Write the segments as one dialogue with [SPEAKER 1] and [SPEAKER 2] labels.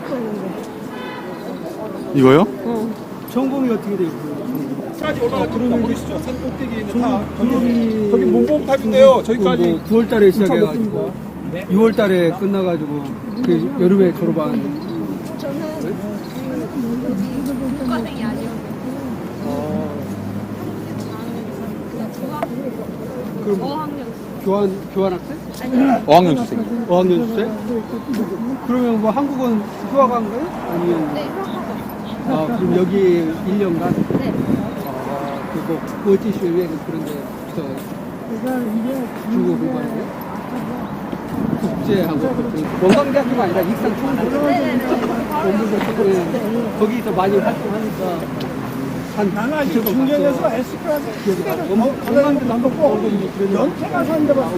[SPEAKER 1] 이거요?
[SPEAKER 2] 전공이 어떻게 돼요?
[SPEAKER 3] 까지 올라갈 드론을 보시죠. 산 꼭대기에 있는 탑. 저기 몽봉탑인데요. 저기까지
[SPEAKER 2] 뭐 9월달에 시작해가지고 6월달에 끝나가지고 그 여름에 졸업한.
[SPEAKER 4] 교과생이 아니었는데.
[SPEAKER 2] 그럼
[SPEAKER 4] 어학연.
[SPEAKER 2] 교환 학생?
[SPEAKER 1] 어학연 수생.
[SPEAKER 2] 어학연 수생? 그러면 뭐 한국은 휴학 한 거예요? 아니면?
[SPEAKER 4] 네, 휴학하고.
[SPEAKER 2] 아, 그럼 여기 1년간?
[SPEAKER 4] 네.
[SPEAKER 2] 아, 그거 멀티쇼에 그런데 중국 공부하는 거예요? 국제하고 원광대학교가 아니라 익산 총부 거기서 많이 활동하니까 한
[SPEAKER 3] 중경에서 S클래스 건강도 한번 꼭 연태가 사는데 봤어요.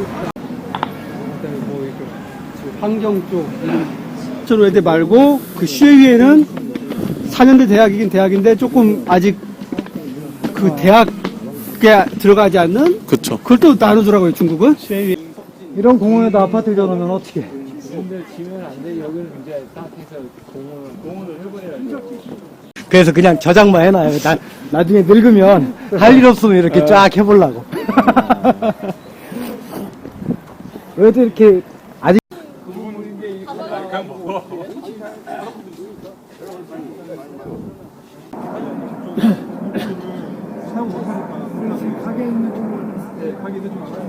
[SPEAKER 2] 뭐 이렇게 환경 쪽 저런 애들 말고 그 시외위에는 4년대 대학이긴 대학인데 조금 아직 그 대학에 들어가지 않는
[SPEAKER 1] 그쵸.
[SPEAKER 2] 그걸 또 나누더라고요 중국은.
[SPEAKER 3] 이런 공원에다 아파트 지어놓으면 어떻게?
[SPEAKER 5] 근데 지면 안 돼. 여기는 이제 딱 해서 공원을 해버려야죠.
[SPEAKER 6] 그래서 그냥 저장만 해놔요. 나중에 늙으면 할 일 없으면 이렇게 쫙 해보려고. 왜도 이렇게 아직
[SPEAKER 3] 가게 있는 쪽으로. 네, 가게 있는 쪽으로.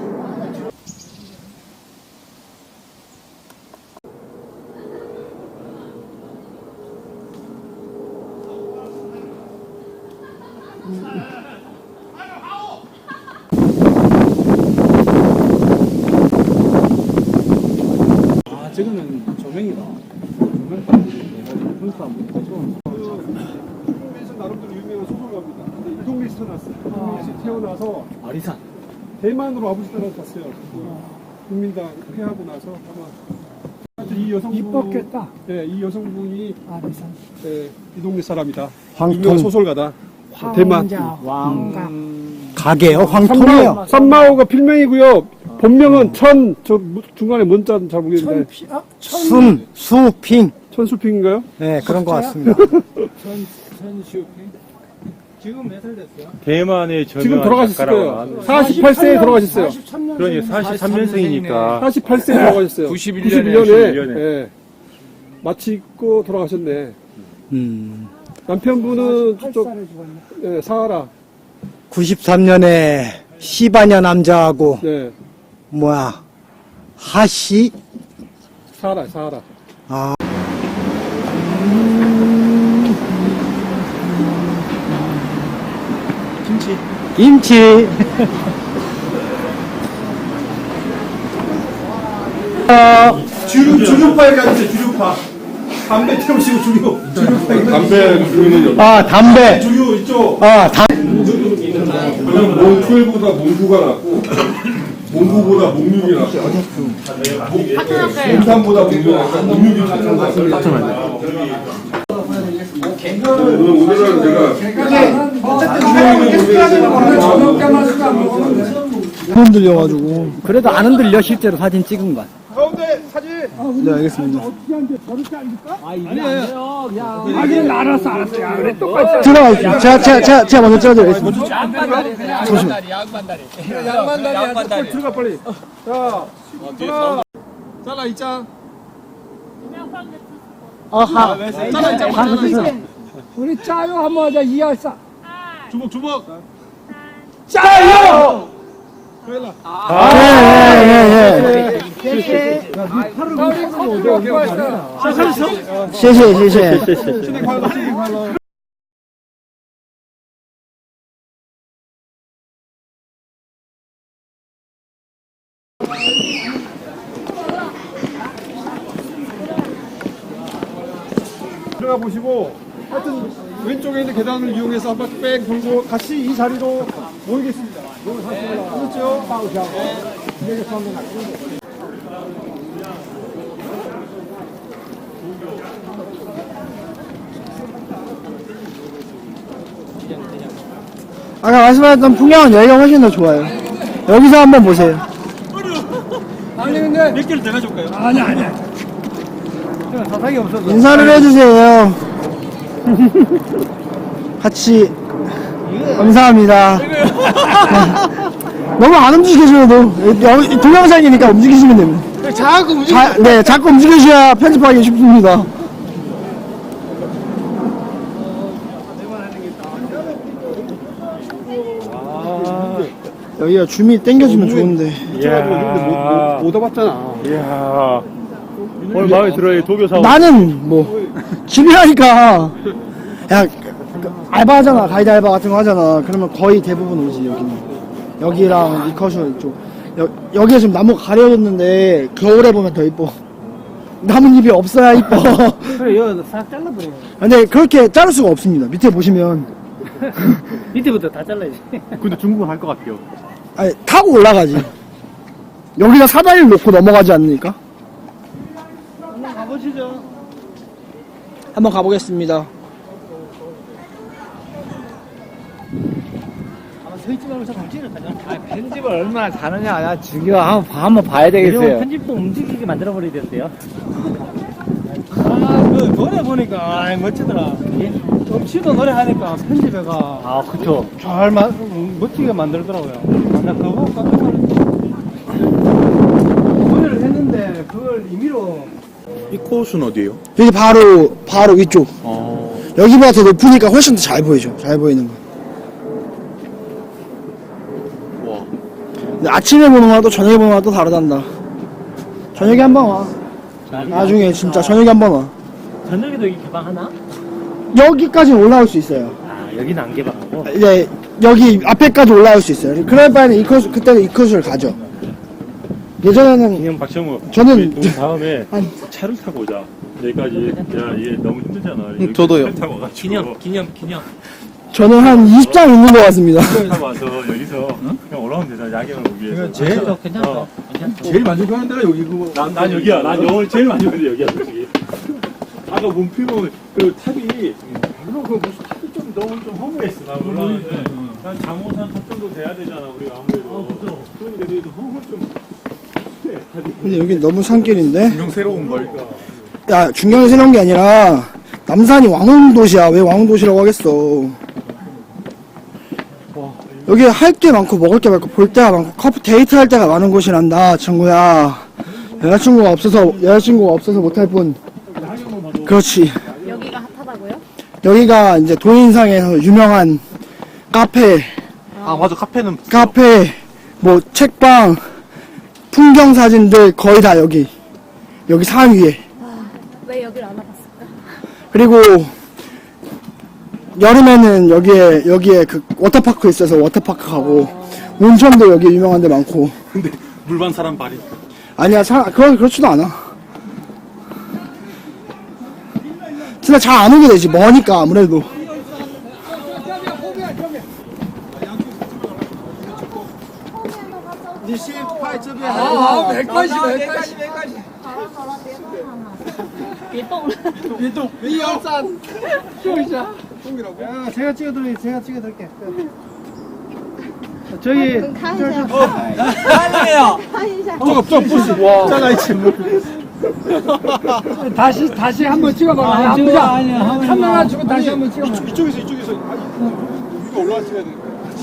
[SPEAKER 5] 아, 지금은 조명이다. 조명까지 분수 한번 해줘.
[SPEAKER 3] 이동에서 나름대로 유명한 소설가입니다. 근데 이동리에서 태어났어요. 이동리에서 태어나서
[SPEAKER 5] 아리산.
[SPEAKER 3] 대만으로 아버지 따라 갔어요. 국민당 회하고 나서 아마 이 여성분
[SPEAKER 6] 이뻤겠다.
[SPEAKER 3] 네, 이 여성분이
[SPEAKER 6] 아리산.
[SPEAKER 3] 네, 이 동네 사람이다.
[SPEAKER 6] 황통.
[SPEAKER 3] 유명한 소설가다. 대만.
[SPEAKER 6] 왕가. 가게요? 황통이요?
[SPEAKER 3] 산마오가 필명이고요. 본명은 중간에 문자는 잘 모르겠는데
[SPEAKER 6] 수핑.
[SPEAKER 3] 천수핑인가요?
[SPEAKER 6] 네, 그런 것 같습니다.
[SPEAKER 5] 지금 몇 살 됐어요?
[SPEAKER 7] 대만의
[SPEAKER 3] 지금 돌아가셨을 거예요.
[SPEAKER 7] 48세
[SPEAKER 3] 48세에 돌아가셨어요.
[SPEAKER 7] 그러니 43년생이니까
[SPEAKER 3] 48세에 돌아가셨어요.
[SPEAKER 7] 91년에.
[SPEAKER 3] 예. 마치고 돌아가셨네.
[SPEAKER 6] 음.
[SPEAKER 3] 남편분은 저쪽 예, 사하라.
[SPEAKER 6] 93년에 시바냐 남자하고,
[SPEAKER 3] 네.
[SPEAKER 6] 하시?
[SPEAKER 3] 사하라.
[SPEAKER 6] 아. 김치.
[SPEAKER 3] 주류파에 가주세요, 주류파. 담배 태우시고 주류파에
[SPEAKER 7] 담배
[SPEAKER 6] 아, 담배.
[SPEAKER 3] 주류 이쪽.
[SPEAKER 6] 아,
[SPEAKER 7] 몽12보다 몽9가 낫고 몽9보다 몽6이 낫고 몽3보다 몽6이 낫는 것 같습니다. 오늘은 제가
[SPEAKER 6] 안 흔들려가지고. 그래도 안 흔들려, 실제로 사진 찍은 건.
[SPEAKER 3] 가운데 사진.
[SPEAKER 6] 네, 알겠습니다. 들어가십시오. 제가 먼저 찍어드리겠습니다.
[SPEAKER 3] 양반다리 들어가 빨리. 자, 하나. 잘라 이장.
[SPEAKER 6] 아하.
[SPEAKER 3] 잘라 이장.
[SPEAKER 6] 우리 짜요 한번 하자, 2알싸.
[SPEAKER 3] 주먹.
[SPEAKER 6] 짜요!
[SPEAKER 3] 그래라.
[SPEAKER 6] 谢谢。
[SPEAKER 3] 신이 관로. 들어가 보시고 하여튼 왼쪽에 있는 계단을 이용해서 한 바퀴 뺑 돌고 같이 이 자리로 모이겠습니다. 그렇죠?
[SPEAKER 6] 아까 말씀하셨던 풍경은 여기가 훨씬 더 좋아요. 여기서 한번 보세요.
[SPEAKER 3] 아니 근데 몇 개를 더 가져올까요? 아니
[SPEAKER 2] 사상이 없어서.
[SPEAKER 6] 인사를 해주세요. 같이 감사합니다. 너무 안 움직여줘도 동영상이니까 움직이시면 됩니다. 네, 자꾸 움직이셔야 편집하기 쉽습니다. 여기가 줌이 땡겨지면 좋은데.
[SPEAKER 3] 이야. 못 와봤잖아.
[SPEAKER 1] 이야. 오늘 마음에 들어요, 도교 사원.
[SPEAKER 6] 나는 뭐 집에 하니까 야 알바하잖아, 가이드 알바 같은 거 하잖아. 그러면 거의 대부분 오지. 여기랑 이커쇼 이쪽. 여기가 지금 나무가 가려졌는데 겨울에 보면 더 이뻐. 나뭇잎이 없어야 이뻐.
[SPEAKER 2] 그래, 이거 싹 잘라버려.
[SPEAKER 6] 근데 그렇게 자를 수가 없습니다. 밑에 보시면
[SPEAKER 2] 밑에부터 다 잘라야지.
[SPEAKER 1] 근데 중국은 할 것 같아요.
[SPEAKER 6] 아니, 타고 올라가지. 여기가 사다리를 놓고 넘어가지 않으니까.
[SPEAKER 2] 한번 가보시죠.
[SPEAKER 6] 한번 가보겠습니다.
[SPEAKER 2] 서있지 말고 저 정치를 가자.
[SPEAKER 5] 편집을 얼마나 잘하냐. 나 죽여. 한번 봐야 되겠어요.
[SPEAKER 2] 편집도 움직이게 만들어버려야 되는데요. 그 노래 보니까, 멋지더라. 없이도 노래 하니까 편집해가.
[SPEAKER 5] 아, 그쵸.
[SPEAKER 2] 잘 멋지게 만들더라고요. 나 그거 보고 깜짝 놀랐어. 노래를 했는데, 그걸 임의로.
[SPEAKER 1] 이 코스는 어디에요?
[SPEAKER 6] 여기 바로 위쪽. 여기보다 더 높으니까 훨씬 더 잘 보이죠. 잘 보이는 거.
[SPEAKER 1] 와.
[SPEAKER 6] 근데 아침에 보는 거랑 또 저녁에 보는 거랑 또 다르단다. 저녁에 한번 와. 나중에 진짜 저녁에 한번 와.
[SPEAKER 5] 저녁에도 여기 개방하나?
[SPEAKER 6] 여기까지는 올라올 수 있어요.
[SPEAKER 5] 아, 여기는 안 개방하고.
[SPEAKER 6] 이제 여기 앞에까지 올라올 수 있어요. 그럴 바에는 그때는 이 코스를 가죠. 예전에는
[SPEAKER 8] 그냥 박정우
[SPEAKER 6] 저는
[SPEAKER 8] 우리 다음에
[SPEAKER 6] 아니,
[SPEAKER 8] 차를 타고 오자. 여기까지. 야, 얘 너무 힘들잖아. 여기
[SPEAKER 1] 저도요.
[SPEAKER 8] 차를 타고 와가지고.
[SPEAKER 5] 기념.
[SPEAKER 6] 저는 한 20장 있는 것 같습니다.
[SPEAKER 8] 차를 타고 와서 여기서 그냥 올라오면 되잖아. 야경을 보기 위해서.
[SPEAKER 5] 괜찮다.
[SPEAKER 3] 제일 만족하는 데가 여기 그거.
[SPEAKER 8] 난 여기야. 난 오늘 제일 많이 오는데 여기야, 솔직히. 아까 문필 보면 그 탑이 물론 그 무슨 탑이 좀 너무 좀 허무했어. 나 몰랐는데 난 장호산 탑 정도 돼야 되잖아. 우리가 아무래도. 그런데 그래도 허무 좀.
[SPEAKER 6] 근데 여기 너무 산길인데?
[SPEAKER 1] 분명 새로운 걸.
[SPEAKER 6] 야, 중경이 새로운 게 아니라 남산이 왕흥도시야. 왜 왕흥도시라고 하겠어. 여기 할 게 많고 먹을 게 많고 볼 데가 많고 커플 데이트 할 데가 많은 곳이란다, 친구야. 여자친구가 없어서 못할 뿐. 그렇지.
[SPEAKER 4] 여기가 핫하다고요?
[SPEAKER 6] 여기가 이제 도인상에서 유명한 카페,
[SPEAKER 1] 아, 맞아. 카페는.
[SPEAKER 6] 뭐 책방, 풍경 사진들 거의 다 여기 산 위에.
[SPEAKER 4] 왜 여기를 안 와봤을까?
[SPEAKER 6] 그리고 여름에는 여기에 그 워터파크 있어서 워터파크 가고, 온천도 여기 유명한 데 많고.
[SPEAKER 1] 근데 물반 사람 발이.
[SPEAKER 6] 아니야, 그렇지도 않아. 진짜 잘 안 오게 되지. 머니까 아무래도.
[SPEAKER 2] 제가 찍어드릴게. 저희,
[SPEAKER 4] 看一下，
[SPEAKER 3] 잘라있지.
[SPEAKER 2] 다시 한번 찍어봐. 카메라 주고 다시 한번 찍어봐.
[SPEAKER 3] 이쪽에서. 우리가 올라왔어야 돼.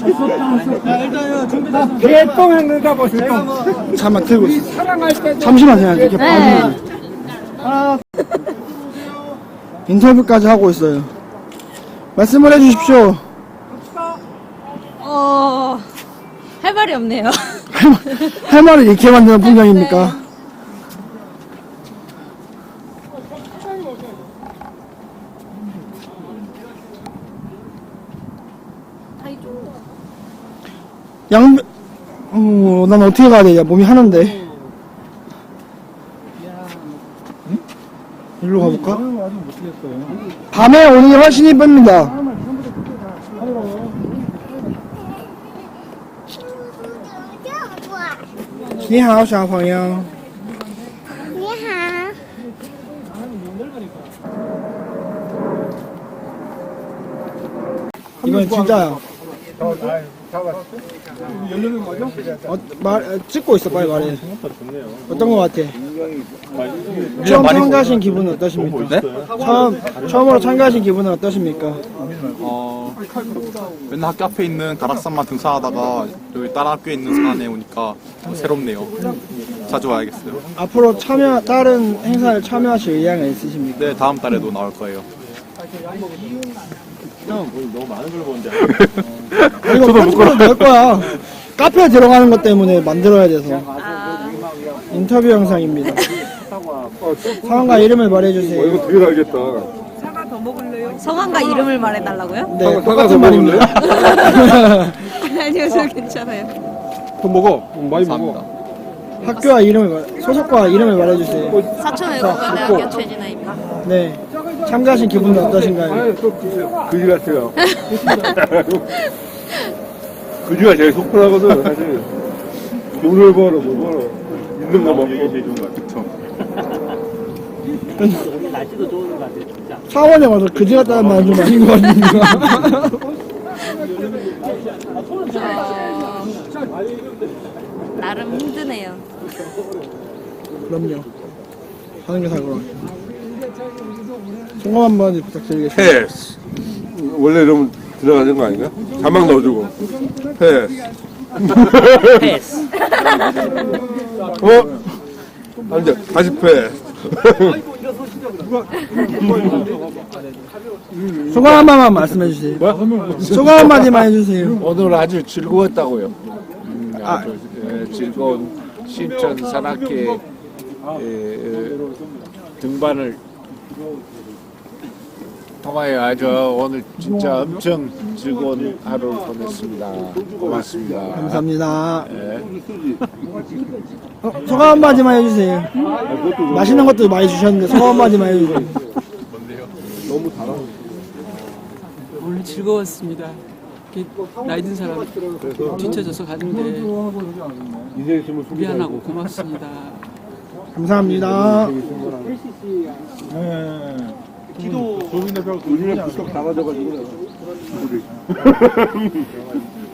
[SPEAKER 2] 개똥 했는가 보세요.
[SPEAKER 6] 잠깐만 들고 있어.
[SPEAKER 2] 사랑할 때.
[SPEAKER 6] 잠시만요. 이렇게 봐주세요. 인터뷰까지 하고 있어요. 말씀을 해주십시오.
[SPEAKER 4] 할 말이 없네요.
[SPEAKER 6] 할 말을 잃게 만드는 풍경입니까? 난 어떻게 가야 돼? 야, 몸이 하는데. 일로 가볼까? 밤에 오는 게 훨씬 이쁩니다. 你好，小朋友。
[SPEAKER 4] 你好。
[SPEAKER 6] 이건 진짜야.
[SPEAKER 3] 열리는 거 맞아?
[SPEAKER 6] 찍고 있어, 빨리 말해.
[SPEAKER 8] 좋네요.
[SPEAKER 6] 어떤 거 같아?
[SPEAKER 1] 많이-
[SPEAKER 6] 처음 참가하신 기분은 어떠십니까?
[SPEAKER 1] 네?
[SPEAKER 6] 처음으로 참가하신 기분은 어떠십니까?
[SPEAKER 1] 맨날 학교 앞에 있는 가락산만 등산하다가 여기 다른 학교에 있는 산에 오니까 새롭네요. 자주 와야겠어요.
[SPEAKER 6] 앞으로 다른 행사에 참여하실 의향은 있으십니까?
[SPEAKER 1] 네, 다음 달에도 나올 거예요.
[SPEAKER 8] 그냥 뭐 너무 많은 걸 보는데.
[SPEAKER 6] 이거 편집으로 넣을 거야. 카페에 들어가는 것 때문에 만들어야 돼서. 인터뷰 영상입니다. 상황과 이름을 말해주세요.
[SPEAKER 7] 이거 되게 알겠다.
[SPEAKER 4] 성함과 이름을 말해달라고요?
[SPEAKER 6] 네,
[SPEAKER 7] 사과
[SPEAKER 6] 똑같은
[SPEAKER 7] 더
[SPEAKER 6] 말입니다.
[SPEAKER 4] 아니요, 저 괜찮아요.
[SPEAKER 3] 더 먹어. 많이 먹어.
[SPEAKER 6] 학교와 소속과 이름을 말해주세요.
[SPEAKER 4] 사천외국어대학교 최진아입니다.
[SPEAKER 6] 네, 참가하신 기분은 어떠신가요?
[SPEAKER 7] 그지 같아요. 그지가 제일 속편하거든, 사실. 돈을 벌어, 뭐 벌어. 있는 거 먹고.
[SPEAKER 8] 이게 제일 좋은 것 같아요.
[SPEAKER 5] 날씨도 좋은 것 같아요, 진짜.
[SPEAKER 6] 사원에 와서 그지 같다는 말은 좀 아닌 것 같습니다.
[SPEAKER 4] 나름 힘드네요.
[SPEAKER 6] 그럼요. 하는 게 살고. 소감 한번 부탁드리겠습니다.
[SPEAKER 7] 패스. 원래 이러면 들어가는 거 아닌가? 자막 넣어주고. 패스.
[SPEAKER 5] 패스.
[SPEAKER 7] 안 돼. 다시 패스.
[SPEAKER 6] 소감 한 번만 말씀해 주세요. 소감 한 마디만 해주세요.
[SPEAKER 9] 오늘 아주 즐거웠다고요. 아주 즐거운 신천 산악회 등반을 통하여 아주 오늘 진짜 엄청 즐거운 하루를 보냈습니다. 고맙습니다.
[SPEAKER 6] 감사합니다. 소감 한 마디만 해주세요. 맛있는 것도 많이 주셨는데 소감 한 마디만 해주세요.
[SPEAKER 10] 오늘 즐거웠습니다. 이렇게 나이 든 사람 뒤쳐져서 가는데 미안하고 고맙습니다.
[SPEAKER 6] 감사합니다.
[SPEAKER 3] 기도 조민의 벽 조민의 부석 다 가져가지고.